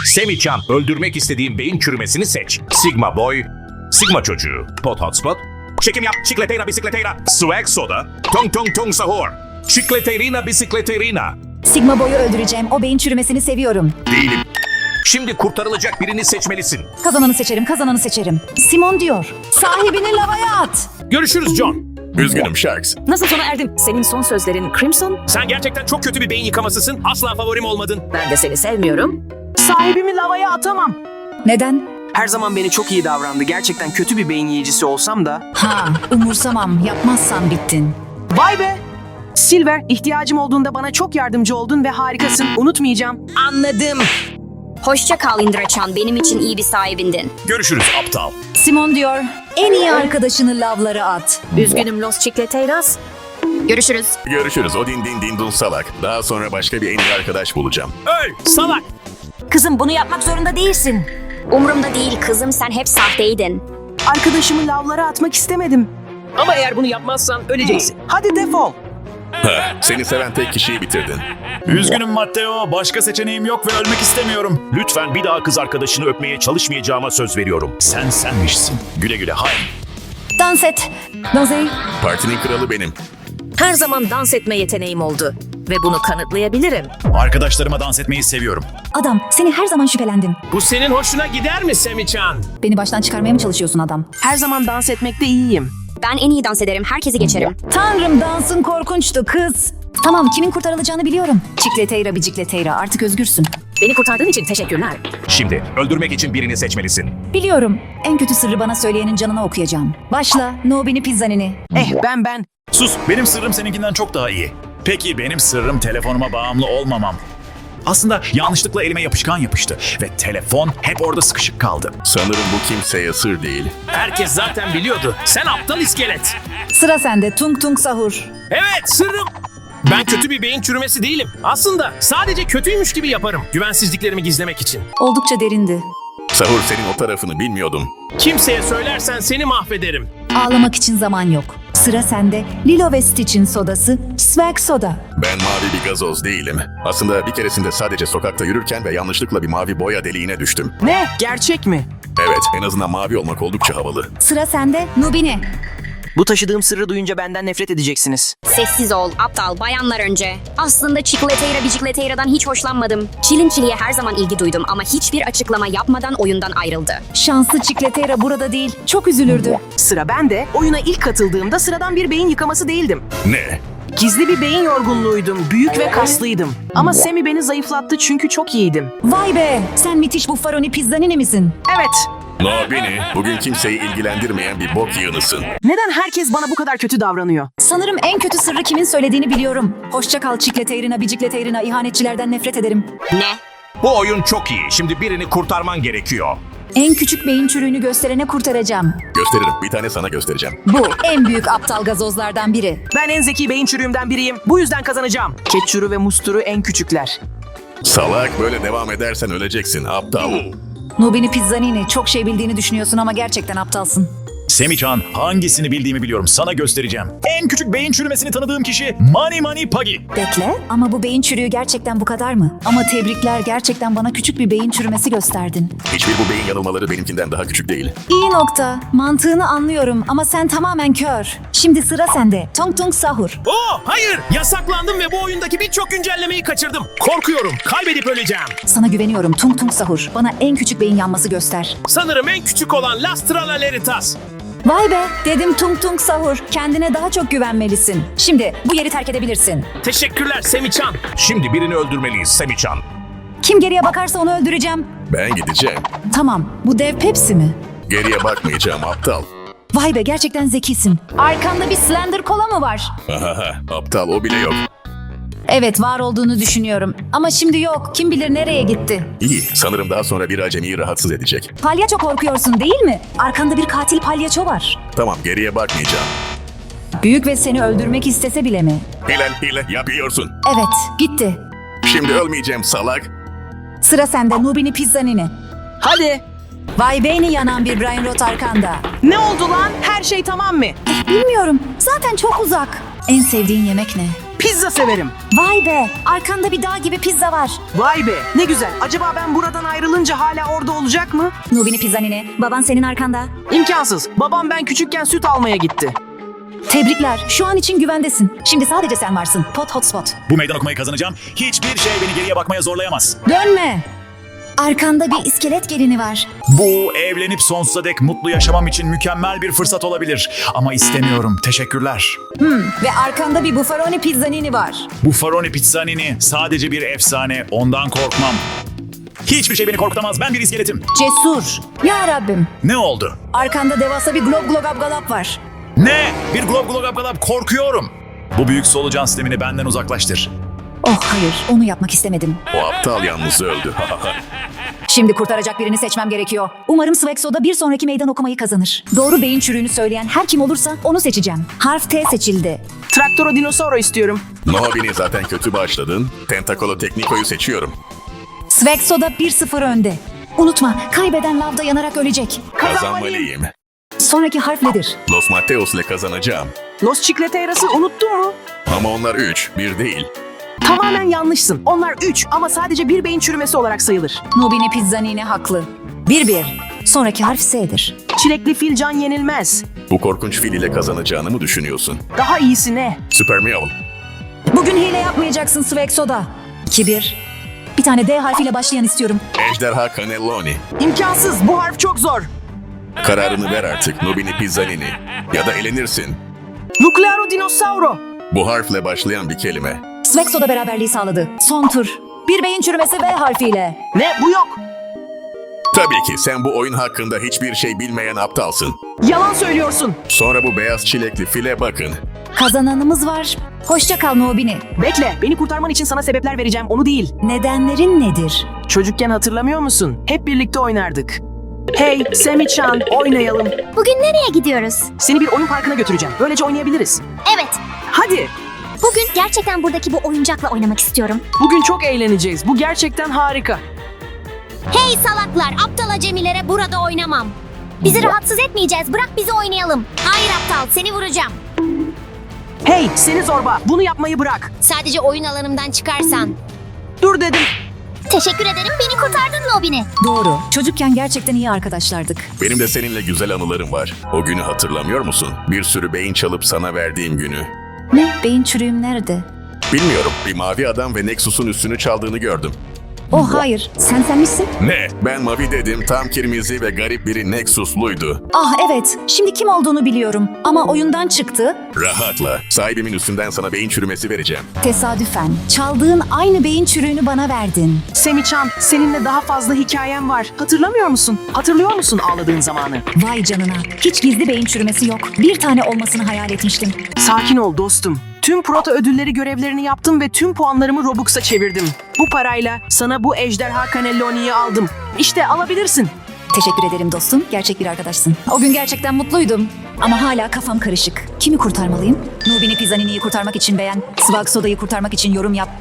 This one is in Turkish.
Semihcan, öldürmek istediğin beyin çürümesini seç. Sigma Boy, Sigma Çocuğu, Pot Hotspot, Çekim Yap, Çikleteyra Bisikleteyra, Swag Soda, Tong Tong Tong Sahur, Çikleterina Bisikleterina. Sigma Boy'u öldüreceğim. O beyin çürümesini seviyorum. Değilim. Şimdi kurtarılacak birini seçmelisin. Kazananı seçerim, kazananı seçerim. Simon diyor. Sahibini lavaya at. Görüşürüz John. Üzgünüm Sharks. Nasıl sona erdim? Senin son sözlerin Crimson. Sen gerçekten çok kötü bir beyin yıkamasısın. Asla favorim olmadın. Ben de seni sevmiyorum. Sahibimi lavaya atamam. Neden? Her zaman beni çok iyi davrandı. Gerçekten kötü bir beyin yiyicisi olsam da. Ha, umursamam. Yapmazsan bittin. Vay be! Silver, ihtiyacım olduğunda bana çok yardımcı oldun ve harikasın. Unutmayacağım. Anladım. Hoşça kal Indrachan, benim için iyi bir sahibindin. Görüşürüz aptal. Simon diyor. En iyi arkadaşını lavlara at. Üzgünüm Los Chicleteiras. Görüşürüz. Görüşürüz Odin din din dun salak. Daha sonra başka bir en iyi arkadaş bulacağım. Öl salak. Kızım bunu yapmak zorunda değilsin. Umurumda değil kızım, sen hep sahteydin. Arkadaşımı lavlara atmak istemedim. Ama eğer bunu yapmazsan öleceksin. Hadi defol. Seni seven tek kişiyi bitirdin. Üzgünüm Matteo, başka seçeneğim yok ve ölmek istemiyorum. Lütfen bir daha kız arkadaşını öpmeye çalışmayacağıma söz veriyorum. Sen senmişsin. Güle güle hay. Dans et. Dozey. Partinin kralı benim. Her zaman dans etme yeteneğim oldu. Ve bunu kanıtlayabilirim. Arkadaşlarıma dans etmeyi seviyorum. Adam, seni her zaman şüphelendim. Bu senin hoşuna gider mi Semihcan? Beni baştan çıkarmaya mı çalışıyorsun adam? Her zaman dans etmekte iyiyim. Ben en iyi dans ederim, herkesi geçerim. Tanrım, dansın korkunçtu kız. Tamam, kimin kurtarılacağını biliyorum. Çikleteyra bicikleteyra, artık özgürsün. Beni kurtardığın için teşekkürler. Şimdi öldürmek için birini seçmelisin. Biliyorum. En kötü sırrı bana söyleyenin canına okuyacağım. Başla, Nobini Pizzanini. Ben. Sus, benim sırrım seninkinden çok daha iyi. Peki benim sırrım telefonuma bağımlı olmamam. Aslında yanlışlıkla elime yapışkan yapıştı ve telefon hep orada sıkışık kaldı. Sanırım bu kimseye sır değil. Herkes zaten biliyordu. Sen aptal iskelet. Sıra sende, Tung Tung Sahur. Evet, sırrım. Ben kötü bir beyin çürümesi değilim. Aslında sadece kötüymüş gibi yaparım. Güvensizliklerimi gizlemek için. Oldukça derindi. Sahur senin o tarafını bilmiyordum. Kimseye söylersen seni mahvederim. Ağlamak için zaman yok. Sıra sende, Lilo ve Stitch'in sodası, Swag Soda. Ben mavi bir gazoz değilim. Aslında bir keresinde sadece sokakta yürürken ve yanlışlıkla bir mavi boya deliğine düştüm. Ne? Gerçek mi? Evet, en azından mavi olmak oldukça havalı. Sıra sende, Nubini. Bu taşıdığım sırrı duyunca benden nefret edeceksiniz. Sessiz ol, aptal, bayanlar önce. Aslında Çikleteyra Bicikleteyra'dan hiç hoşlanmadım. Çilin Çili'ye her zaman ilgi duydum ama hiçbir açıklama yapmadan oyundan ayrıldı. Şanslı Çikleteyra burada değil, çok üzülürdü. Sıra bende. Oyuna ilk katıldığımda sıradan bir beyin yıkaması değildim. Ne? Gizli bir beyin yorgunluğuydum. Büyük ve kaslıydım. Ama Semi beni zayıflattı çünkü çok iyiydim. Vay be, sen müthiş Buffaroni Pizzanini misin? Evet. No beni, bugün kimseyi ilgilendirmeyen bir bok yığınısın. Neden herkes bana bu kadar kötü davranıyor? Sanırım en kötü sırrı kimin söylediğini biliyorum. Hoşça kal Çikleteyrina, Bicikleteyrina, ihanetçilerden nefret ederim. Ne? Bu oyun çok iyi. Şimdi birini kurtarman gerekiyor. En küçük beyin çürüğünü gösterene kurtaracağım. Gösteririm, bir tane sana göstereceğim. Bu en büyük aptal gazozlardan biri. Ben en zeki beyin çürüğümden biriyim. Bu yüzden kazanacağım. Ketçuru ve musturu en küçükler. Salak, böyle devam edersen öleceksin, aptal. Nubini Pizzanini, çok şey bildiğini düşünüyorsun ama gerçekten aptalsın. Semihcan, hangisini bildiğimi biliyorum, sana göstereceğim. En küçük beyin çürümesini tanıdığım kişi Mani Mani Pagi. Bekle, ama bu beyin çürüğü gerçekten bu kadar mı? Ama tebrikler, gerçekten bana küçük bir beyin çürümesi gösterdin. Hiçbir bu beyin yanılmaları benimkinden daha küçük değil. İyi nokta. Mantığını anlıyorum ama sen tamamen kör. Şimdi sıra sende. Tong Tong Sahur. Hayır, yasaklandım ve bu oyundaki birçok güncellemeyi kaçırdım. Korkuyorum, kaybedip öleceğim. Sana güveniyorum Tung Tung Sahur. Bana en küçük beyin yanması göster. Sanırım en küçük olan Las Tralaleritas. Vay be, dedim Tung Tung Sahur. Kendine daha çok güvenmelisin. Şimdi bu yeri terk edebilirsin. Teşekkürler Semihcan. Şimdi birini öldürmeliyiz Semihcan. Kim geriye bakarsa onu öldüreceğim. Ben gideceğim. Tamam, bu dev Pepsi mi? Geriye bakmayacağım, aptal. Vay be, gerçekten zekisin. Arkanda bir Slender Kola mı var? Aptal, o bile yok. Evet, var olduğunu düşünüyorum. Ama şimdi yok. Kim bilir nereye gitti? İyi, sanırım daha sonra bir acemiyi rahatsız edecek. Palyaço korkuyorsun değil mi? Arkanda bir katil palyaço var. Tamam, geriye bakmayacağım. Büyük ve seni öldürmek istese bile mi? Hile yapıyorsun. Evet, gitti. Şimdi ölmeyeceğim salak. Sıra sende Nubini Pizzanini. Hadi. Vay beyni yanan bir Brian Roth arkanda. Ne oldu lan? Her şey tamam mı? Bilmiyorum. Zaten çok uzak. En sevdiğin yemek ne? Pizza severim. Vay be, arkanda bir dağ gibi pizza var. Vay be, ne güzel. Acaba ben buradan ayrılınca hala orada olacak mı? Nubini Pizzanini, baban senin arkanda. İmkansız. Babam ben küçükken süt almaya gitti. Tebrikler, şu an için güvendesin. Şimdi sadece sen varsın. Pot hotspot. Bu meydan okumayı kazanacağım. Hiçbir şey beni geriye bakmaya zorlayamaz. Dönme. Arkanda bir iskelet gelini var. Bu evlenip sonsuza dek mutlu yaşamam için mükemmel bir fırsat olabilir. Ama istemiyorum. Teşekkürler. Ve arkanda bir Buffaroni Pizzanini var. Buffaroni Pizzanini sadece bir efsane. Ondan korkmam. Hiçbir şey beni korkutamaz. Ben bir iskeletim. Cesur. Ya Rabbim. Ne oldu? Arkanda devasa bir glob glogabgalap var. Ne? Bir glob glob glob korkuyorum. Bu büyük solucan sistemini benden uzaklaştır. Oh hayır, onu yapmak istemedim. O aptal yalnız öldü. Şimdi kurtaracak birini seçmem gerekiyor. Umarım Swexo'da bir sonraki meydan okumayı kazanır. Doğru beyin çürüğünü söyleyen her kim olursa onu seçeceğim. Harf T seçildi. Traktoro dinosauro istiyorum. Nobini zaten kötü başladın. Tentakolo Tekniko'yu seçiyorum. Swexo'da 1-0 önde. Unutma, kaybeden lavda yanarak ölecek. Kazanmalıyım. Sonraki harf nedir? Los Mateos ile kazanacağım. Los Chicleteiras'ı unuttun mu? Ama onlar 3, 1 değil. Tamamen yanlışsın. Onlar 3 ama sadece bir beyin çürümesi olarak sayılır. Nubini Pizzanini haklı. 1-1. Sonraki harf S'dir. Çilekli fil can yenilmez. Bu korkunç fil ile kazanacağını mı düşünüyorsun? Daha iyisi ne? Süper Meow. Bugün hile yapmayacaksın Swexo'da. 2-1. Bir tane D harfiyle başlayan istiyorum. Ejderha Cannelloni. İmkansız. Bu harf çok zor. Kararını ver artık Nobini Pizzanini. Ya da elenirsin. Nuclearo dinosauro. Bu harfle başlayan bir kelime. Swexo'da beraberliği sağladı. Son tur. Bir beyin çürümesi V harfiyle. Ne? Bu yok. Tabii ki sen bu oyun hakkında hiçbir şey bilmeyen aptalsın. Yalan söylüyorsun. Sonra bu beyaz çilekli file bakın. Kazananımız var. Hoşça kal Nubini. Bekle. Beni kurtarman için sana sebepler vereceğim. Onu değil. Nedenlerin nedir? Çocukken hatırlamıyor musun? Hep birlikte oynardık. Hey Semi-chan, oynayalım. Bugün nereye gidiyoruz? Seni bir oyun parkına götüreceğim. Böylece oynayabiliriz. Evet. Hadi. Bugün gerçekten buradaki bu oyuncakla oynamak istiyorum. Bugün çok eğleneceğiz. Bu gerçekten harika. Hey salaklar, aptal acemilere burada oynamam. Bizi rahatsız etmeyeceğiz. Bırak bizi oynayalım. Hayır aptal, seni vuracağım. Hey seni zorba. Bunu yapmayı bırak. Sadece oyun alanımdan çıkarsan. Dur dedim. Teşekkür ederim, beni kurtardın Nobini. Doğru. Çocukken gerçekten iyi arkadaşlardık. Benim de seninle güzel anılarım var. O günü hatırlamıyor musun? Bir sürü beyin çalıp sana verdiğim günü. Ne? Beyin çürüğüm nerede? Bilmiyorum. Bir mavi adam ve Nexus'un üstünü çaldığını gördüm. Oh hayır. Sen misin? Ne? Ben mavi dedim. Tam kırmızı ve garip biri Nexus'luydu. Ah evet. Şimdi kim olduğunu biliyorum. Ama oyundan çıktı. Rahatla. Sahibimin üstünden sana beyin çürümesi vereceğim. Tesadüfen. Çaldığın aynı beyin çürüğünü bana verdin. Semi-chan, seninle daha fazla hikayem var. Hatırlamıyor musun? Hatırlıyor musun ağladığın zamanı? Vay canına. Hiç gizli beyin çürümesi yok. Bir tane olmasını hayal etmiştim. Sakin ol dostum. Tüm proto ödülleri görevlerini yaptım ve tüm puanlarımı Robux'a çevirdim. Bu parayla sana bu ejderha Cannelloni'yi aldım. İşte alabilirsin. Teşekkür ederim dostum. Gerçek bir arkadaşsın. O gün gerçekten mutluydum. Ama hala kafam karışık. Kimi kurtarmalıyım? Nubini Pizzanini'yi kurtarmak için beğen, Swag Soda'yı kurtarmak için yorum yap.